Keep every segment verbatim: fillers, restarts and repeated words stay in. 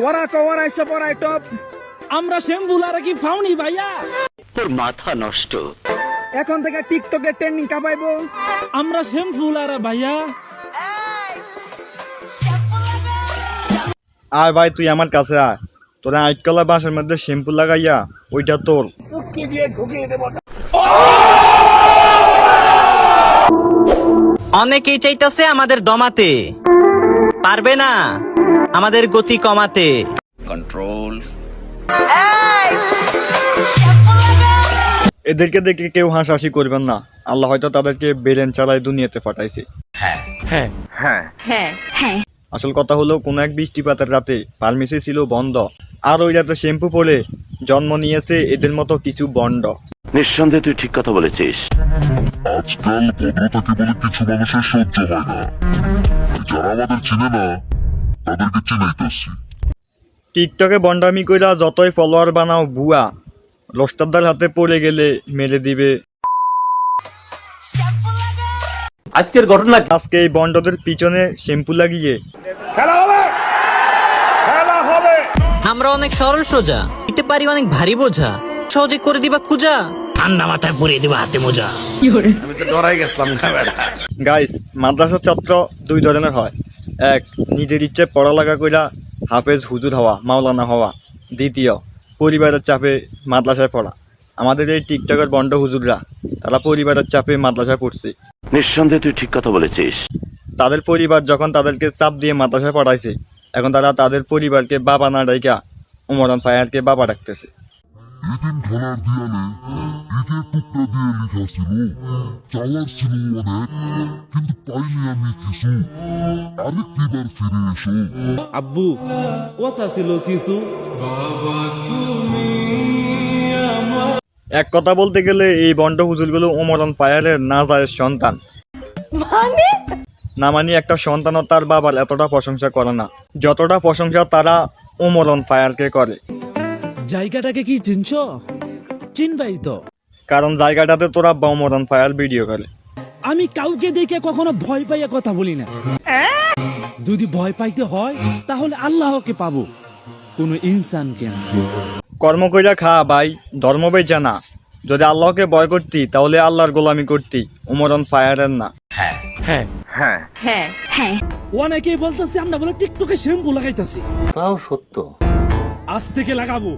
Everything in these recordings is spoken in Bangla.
ওরা কওয়ার আইসা পড়াই টপ আমরা শ্যাম্পুলারা কি ফাউনি ভাইয়া তোর মাথা নষ্ট। এখন থেকে টিকটকে ট্রেন্ডিং কাপাইবো আমরা শ্যাম্পুলারা ভাইয়া। আয় ভাই তুই আমার কাছে আয়, তোরা আইকলা বাঁশের মধ্যে শ্যাম্পু লাগাইয়া ওইটা তোর। অনেকেই চাইতাছে আমাদের দমাতে, পারবে না আমাদের গতি কমাতে। কন্ট্রোল। এদেরকে দেখে কেউ হাসাহাসি করবেন না, আল্লাহ হয়তো তাদেরকে বেরেন চালাই দুনিয়াতে পাঠাইছে। হ্যাঁ হ্যাঁ হ্যাঁ হ্যাঁ হ্যাঁ আসল কথা হলো কোন এক বৃষ্টিপাতের রাতে ফার্মেসি ছিল বন্ধ, আর ওই রাতে শ্যাম্পু পরে জন্ম নিয়েছে এদের মতো কিছু বন্ড। নিঃসন্দেহে তুই ঠিক কথা বলেছিস। আজকাল ভদ্রতাকে বলে কিছু মানুষের সহ্য হয় না, যারা আমাদের চিনে না তাদেরকে চিনাইতেছি। টিকটকে বন্ডামি কইরা যতই ফলোয়ার বানাও বুয়া, রোস্টারদার হাতে পড়ে গেলে মেরে দিবে। আজকের ঘটনা আজকে এই বন্ডদের পিছনে শ্যাম্পু লাগিয়ে আমরা অনেক সরল সোজা, দিতে পারি অনেক ভারী বোঝা, সহজে করে দিবা খুঁজা, ঠান্ডা মাথায় পরিয়ে দিবা হাতে মোজা। আমি তো ডরাই গেছিলাম না বেটা। গাইস, মাদ্রাসার ছাত্র দুই ধরনের হয়। এক, নিজের ইচ্ছে পড়ালেখা কইরা হাফেজ হুজুর হওয়া, মাওলানা হওয়া। দ্বিতীয়, পরিবারের চাপে মাদ্রাসায় পড়া। আমাদের এই টিকটকের বন্ড হুজুররা তারা পরিবারের চাপে মাদ্রাসায় পড়ছে। নিঃসন্দেহে তুই ঠিক কথা বলেছিস। তাদের পরিবার যখন তাদেরকে চাপ দিয়ে মাদ্রাসায় পড়াইছে, এখন তারা তাদের পরিবারকে বাবা না ডাইকা উমরান ফায়ারকে বাবা ডাকতেছে। এদিন খেলার দেয়ালে ইটের টুকরা দিয়ে লেখা ছিল, চাওয়ার ছিল অনেক কিন্তু পাইনি আমি কিছু, আরেকটিবার ফিরে এসো। আব্বু কথা ছিল কিছু। এক কথা বলতে গেলে এই বন্ড হুজুরগুলো উমরান ফায়ারের না যায় সন্তান। না মানে একটা সন্তানও তার বাবার এতটা প্রশংসা করে না যতটা প্রশংসা তারা উমরান ফায়ারকে করে। জায়গাটাকে কি চিনছ? চিনবাই তো, কারণ জায়গাটাতে তোরা উমরান ফায়ার ভিডিও করে। আমি কাউকে দেখে কখনো ভয় পাইয়া কথা বলি না। যদি ভয় পাইতে হয় তাহলে আল্লাহকে পাবো, কোনো ইনসানকে না। কর্ম কইরা খা ভাই, ধর্ম বেচা না। যদি আল্লাহকে ভয় করতি তাহলে আল্লাহর গোলামি করতি, উমরান ফায়ারের না। হ্যাঁ হ্যাঁ হ্যাঁ হ্যাঁ হ্যাঁ অনেকেই বলতেছে আমরা বলে টিকটকে শ্যাম্পু লাগাইতেছি। তাও সত্য। আজ থেকে লাগাবো।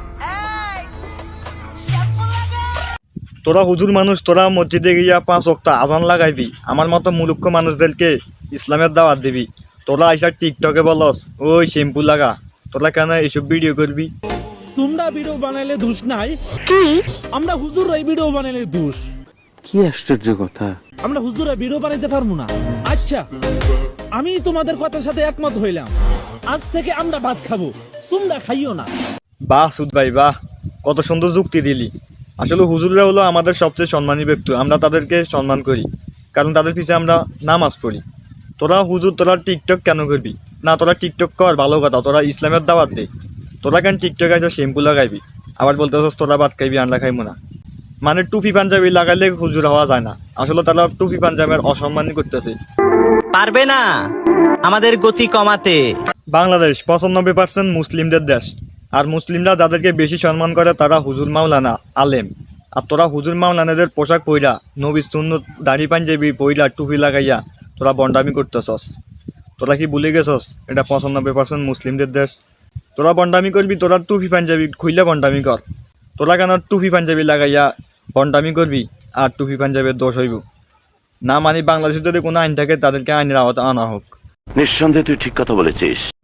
তোরা হুজুর মানুষ, তোরা মসজিদে গিয়া পাঁচ ওয়াক্ত আজান লাগাইবি, আমার মতো মূর্খ মানুষদেরকে ইসলামের দাওয়াত দিবি। তোরা আইসা টিকটকে বলস ওই শ্যাম্পু লাগা, তোরা কেন এইসব ভিডিও করবি? তোমরা ভিডিও বানাইলে দোষ নাই, আমরা হুজুরাই ভিডিও বানাইলে দোষ। কি আশ্চর্য কথা। আমরা হুজুরা ভিডিও বানাইতে পারবো না। আচ্ছা, আমি তোমাদের কথার সাথে একমত হইলাম, আজ থেকে আমরা ভাত খাবো, তোমরা খাইও না। বাহ সুদ ভাই বাহ, কত সুন্দর যুক্তি দিলি। আসলে হুজুররা হলো আমাদের সবচেয়ে সম্মানী ব্যক্তি, আমরা তাদেরকে সম্মান করি কারণ তাদের পিছিয়ে আমরা নামাজ পড়ি। তোরা হুজুর তোরা টিকটক কেন করবি না? তোরা টিকটক কর, ভালো কথা, তোরা ইসলামের দাওয়াত দে। তোরা কেন টিকটক আছে শ্যাম্পু লাগাইবি, আবার বলতেছস তোরা ভাত খাইবি আন্ডা খাইবো না। মানে টুপি পাঞ্জাবি লাগাইলে হুজুর হওয়া যায় না, আসলে তারা টুপি পাঞ্জাবের অসম্মানই করতেছে। পারবে না আমাদের গতি কমাতে। বাংলাদেশ পঁচানব্বই পার্সেন্ট মুসলিমদের দেশ, আর মুসলিমরা যাদেরকে বেশি সম্মান করে তারা হুজুর মাওলানা আলেম। আর তোরা হুজুর মাওলানাদের পোশাক পইরা, নবী সুন্নত দাড়ি পাঞ্জাবি পইরা, টুপি লাগাইয়া তোরা বন্ডামি করতেছস। তোরা কি ভুলে গেছস এটা পঁচানব্বই পার্সেন্ট মুসলিমদের দেশ? তোরা বন্ডামি করবি, তোরা টুপি পাঞ্জাবি খুইলে বন্ডামি কর। তোরা কেন টুপি পাঞ্জাবি লাগাইয়া বন্ডামি করবি আর টুপি পাঞ্জাবের দোষ হইব না? মানে বাংলাদেশের যদি কোনো আইন থাকে তাদেরকে আইনের আওতা আনা হোক। নিঃসন্দেহে তুই ঠিক কথা বলেছিস।